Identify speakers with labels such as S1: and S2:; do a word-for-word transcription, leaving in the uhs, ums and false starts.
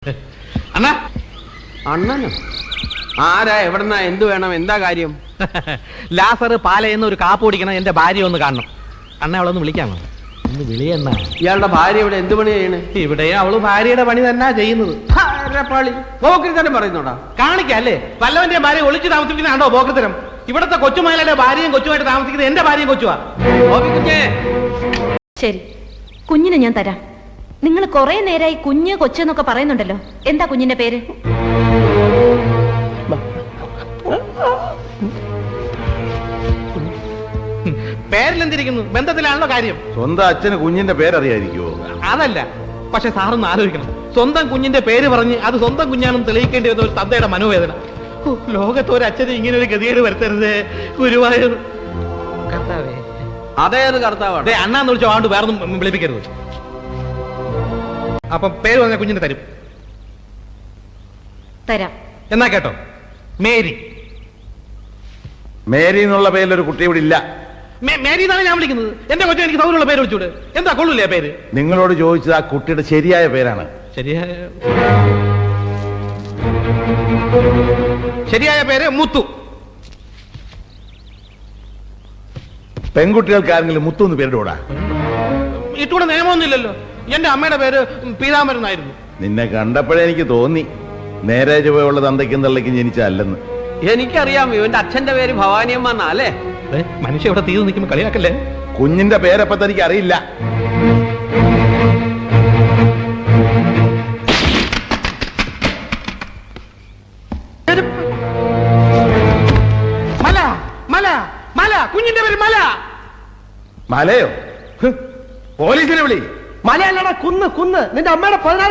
S1: അണ്ണ
S2: അണ്ണനോ? ആരാ? എവിടെന്നാ? എന്ത് വേണം? എന്താ കാര്യം?
S1: ലാസർ പാലയെന്ന് ഒരു കാപ്പ് കുടിക്കണം, എന്റെ ഭാര്യ ഒന്ന് കാണണം. അണ്ണ അവളൊന്ന് വിളിക്കാമോ? ഒന്ന് വിളിയണ്ണ.
S2: ഇയാളുടെ ഭാര്യ ഇവിടെ എന്ത് പണി ചെയ്യണ്?
S1: ഇവിടെ അവള് ഭാര്യയുടെ പണി തന്നെ ചെയ്യുന്നത്.
S2: പോക്രിത്തരം പറയുന്നോടാ.
S1: കാണിക്കല്ലേ, വല്ലവന്റെ ഭാര്യ ഒളിച്ചു താമസിക്കുന്നതാണോ പോക്രിത്തരം? ഇവിടത്തെ കൊച്ചുമലയുടെ ഭാര്യയും കൊച്ചുമായിട്ട് താമസിക്കുന്നത് എന്റെ ഭാര്യയും കൊച്ചുവാ.
S3: ശരി, കുഞ്ഞിനെ ഞാൻ തരാം. നിങ്ങൾ കുറെ നേരമായി കുഞ്ഞ് കൊച്ചെന്നൊക്കെ പറയുന്നുണ്ടല്ലോ, എന്താ കുഞ്ഞിന്റെ പേര്?
S1: പേരിലെന്തിരിക്കുന്നു, ബന്ധത്തിലാണല്ലോ കാര്യം.
S4: സ്വന്തം അച്ഛന് കുഞ്ഞിന്റെ പേരറിയായിരിക്കുമോ?
S1: അതല്ല, പക്ഷെ സാറൊന്ന് ആലോചിക്കണം. സ്വന്തം കുഞ്ഞിന്റെ പേര് പറഞ്ഞ് അത് സ്വന്തം കുഞ്ഞാണെന്ന് തെളിയിക്കേണ്ടി വന്ന ഒരു തന്തയുടെ മനോവേദന. ലോകത്ത് ഒരു അച്ഛന് ഇങ്ങനെ ഒരു ഗതികേട് വരുത്തരുത് ഗുരുവായൂർ. കർത്താവേ,
S2: അതേത് കർത്താവാണ്?
S1: അണ്ണാന്ന് വിളിച്ചോ, ആണ്ട് വേറൊന്നും വിളിപ്പിക്കരുത്. അപ്പം പേര് പറഞ്ഞ കുഞ്ഞിന് തരും.
S3: തരാം.
S1: എന്നാ കേട്ടോ, മേരി.
S4: മേരി എന്നുള്ള പേരിലൊരു കുട്ടി ഇവിടെ ഇല്ല.
S1: മേരി എന്നാണ് ഞാൻ വിളിക്കുന്നത്. എന്റെ കൊച്ചു എനിക്ക് സൗകര്യമുള്ള പേര് വിളിച്ചൂടെ? എന്താ കൊള്ളൂലേ പേര്?
S4: നിങ്ങളോട് ചോദിച്ചത് ആ കുട്ടിയുടെ ശരിയായ പേരാണ്.
S1: ശരിയായ ശരിയായ പേര് മുത്തു.
S4: പെൺകുട്ടികൾക്ക് ആരെങ്കിലും മുത്തു എന്ന് പേരിടൂടാ?
S1: ഇട്ടുകൂടെ നിയമമൊന്നുമില്ലല്ലോ. എന്റെ അമ്മയുടെ പേര് പീതാംബരൻ എന്നായിരുന്നു.
S4: നിന്നെ കണ്ടപ്പോഴേ എനിക്ക് തോന്നി നേരെ ചുവയുള്ള തന്തയ്ക്കും തള്ളയ്ക്കും ജനിച്ചല്ലെന്ന്.
S2: എനിക്കറിയാം, ഇവന്റെ അച്ഛന്റെ പേര് ഭവാനിയമ്മ എന്നാ അല്ലേ?
S1: മനുഷ്യ ഇവിടെ തീർന്നു നിൽക്കുമ്പോ കളിയാക്കല്ലേ.
S4: കുഞ്ഞിന്റെ പേരപ്പ തനിക്ക് അറിയില്ല.
S1: മല മല മല കുഞ്ഞിന്റെ പേര് മല.
S4: മലയോ? പോലീസിനെ വിളി.
S2: മലയല്ലടാ, കുന്ന് കുന്ന്. നിന്റെ അമ്മയുടെ പതിനാല്